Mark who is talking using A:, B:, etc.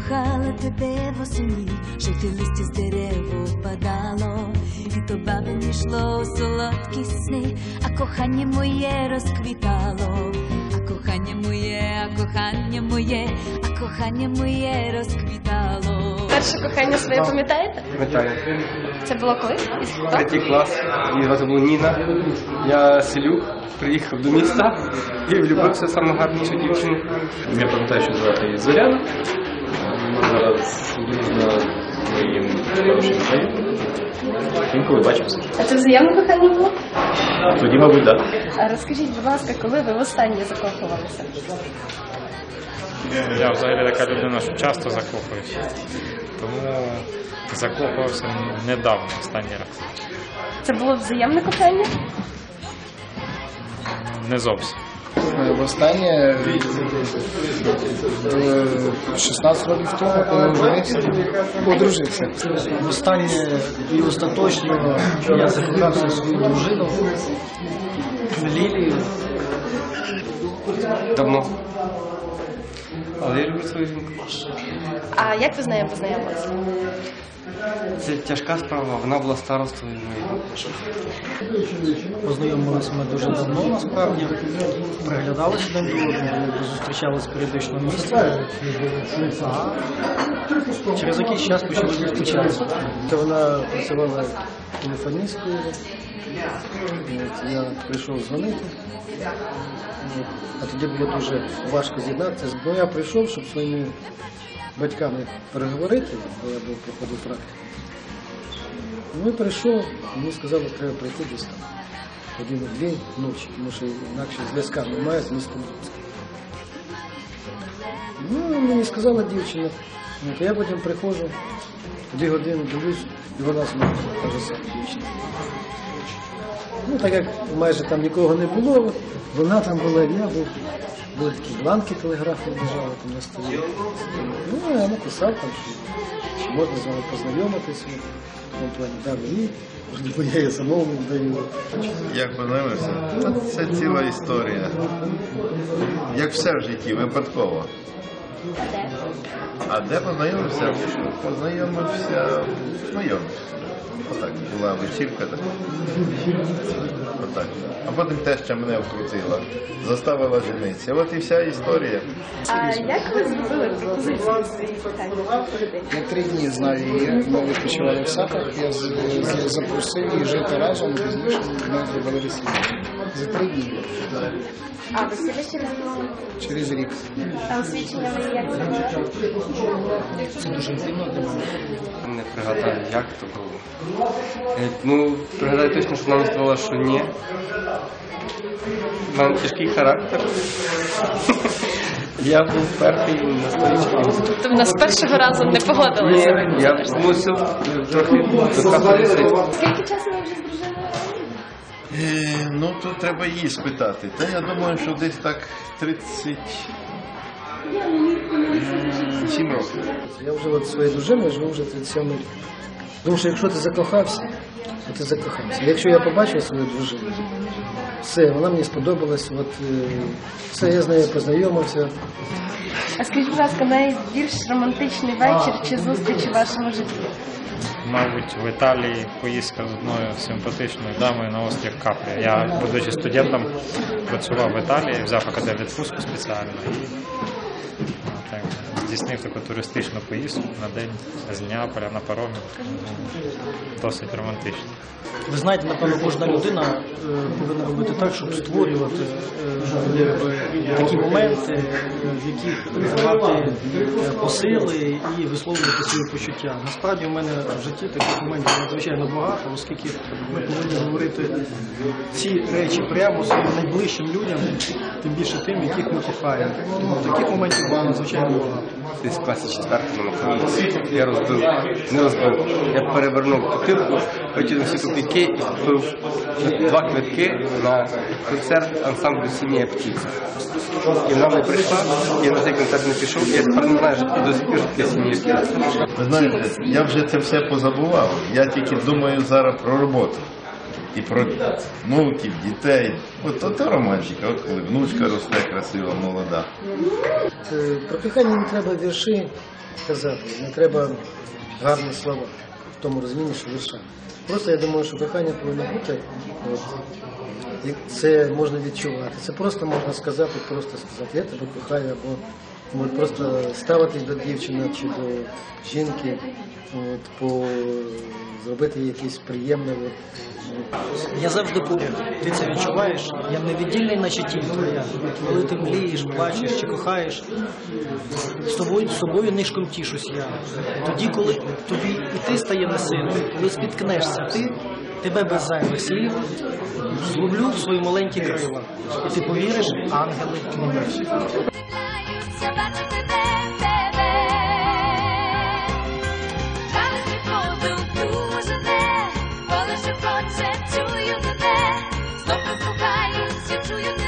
A: кохала тебе восені, жовті листя з дерев опадало, і то бабині йшло у солодкі сни, а кохання моє розквітало, а кохання моє, а кохання моє, а кохання моє розквітало.
B: Перше кохання своє пам'ятаєте?
C: Пам'ятаю.
B: Це було коли?
C: Третій клас, її звати було Ніна. Я селюк, приїхав до міста і влюбився в саму гарнішу дівчину.
D: Я пам'ятаю, що звати її Зоряна. Зараз дружна з моїм хорошим знайомим. Інколи бачимося.
B: А це взаємне кохання було?
D: Тоді, мабуть, так.
B: А розкажіть, будь ласка, коли ви востаннє закохувалися?
E: Я взагалі така людина, що часто закохуюся. Тому закохувався недавно, останній раз.
B: Це було взаємне кохання?
E: Не зовсім.
F: Востаннє 16 років тому одружився. Востаннє і остаточно я закохався в свою дружину Лілію.
C: Давно. Але я люблю свою жінку.
B: А як ви з нею познайомилися?
C: Це тяжка справа, вона була старостою моєю.
F: Познайомилися ми дуже давно, насправді. Приглядалися один до одного, зустрічалися періодично в місті. А через якийсь час почали зустрічатися. Вона працювала телефоністкою. Я прийшов дзвонити. А тоді було дуже важко з'єднатися. Бо я прийшов, щоб своїми батьками переговорити, бо я проходив практику. Ну і прийшов, мені сказали, що треба прийти десь там. 1-2 ночі, тому що інакше зв'язка немає з містом Луцьким. Ну, мені сказала дівчина, то я потім приходжу, 2 години дивлюсь, і вона знову та ж сама дівчина. Ну, так як майже там нікого не було, вона там була, я був. Були такі бланки телеграфні лежали там на столі. Ну, я написав там, що можна з вами познайомитися. В тому плані дав їй, можливо, я її самому даю.
G: Як познайомився? Це ціла історія. Як все в житті, випадково. А де познайомився? Познайомився в знайомих. Отак, була вечірка така. Отак. А потім теща мене вкрутила, заставила женитися. От і вся історія.
B: А як ви зробили пропозицію своїй коханій?
F: Я 3 дні знаю її, ми відпочивали в Саках, я запросив її жити разом, пізніше ми зробили весілля. За 3 дні.
B: А весілля через
F: Через рік.
B: А освічення ви як зробили?
F: Це дуже інтимно для мене.
C: Не пригадаю, як то було. Ну, пригадаю точно, що вона сказала, що ні. У мене тяжкий характер. Я був перший настойчивий.
B: Тобто вона з першого разу не погодилася?
C: Ні, я мусив трохи докапатися.
B: Скільки часу ви вже з дружиною?
G: Ну, тут треба її спитати. Та я думаю, що десь так 37 років.
F: Я вже от своєю дружиною живу вже 37 рік. Тому що якщо ти закохався, то ти закохався. Якщо я побачив свою дружину, все, вона мені сподобалась, от, все, я з нею познайомився.
B: А скажіть, будь ласка, найбільш романтичний вечір чи зустріч у вашому житті?
E: Мабуть, в Італії поїздка з одною симпатичною дамою на острів Капрі. Я, будучи студентом, працював в Італії, взяв академію відпустку спеціально і так, здійснив таку туристичну поїздку на день з Неаполя на паромі. Досить романтично.
F: Ви знаєте, напевно, кожна людина повинна робити так, щоб створювати такі моменти, в яких давати посили і висловлювати свої почуття. Насправді у мене в житті таких моментів надзвичайно багато, оскільки ми повинні говорити ці речі прямо своїм найближчим людям, тим більше тим, яких ми кохаємо. Тому таких моментів було надзвичайно багато.
C: Десь в класі 4-му на Україні. Я не розбив. Я перевернув бутилку, витягнув всі копійки і купив 2 квитки на концерт ансамблю «Синя птиця». І вона не прийшла, я на цей концерт не пішов, я тепер не знаю, що до сих пір таке «Синя птиця».
G: Ви знаєте, я вже це все позабував. Я тільки думаю зараз про роботу. і про внуків, дітей. От то романтика, от коли внучка росте красива, молода.
F: Про кохання не треба вірші казати, не треба гарні слова в тому розумінні, що вірша. Просто я думаю, що кохання повинно бути, от, і це можна відчувати. Це просто можна сказати, я тебе кохаю, або просто ставитись до дівчини чи до жінки, зробити якесь приємне. Я завжди поряд, ти це відчуваєш, я невіддільний, наче тінь твоя. Коли ти млієш, плачеш чи кохаєш, з собою нишком тішусь я. Тоді, коли тобі і ти стає несильним, коли спіткнешся ти, тебе без зайвих слів зловлю в свої маленькі крила. І ти повіриш, ангели книжуть.
A: Чую мене, знов прислухаюсь, я чую тебе.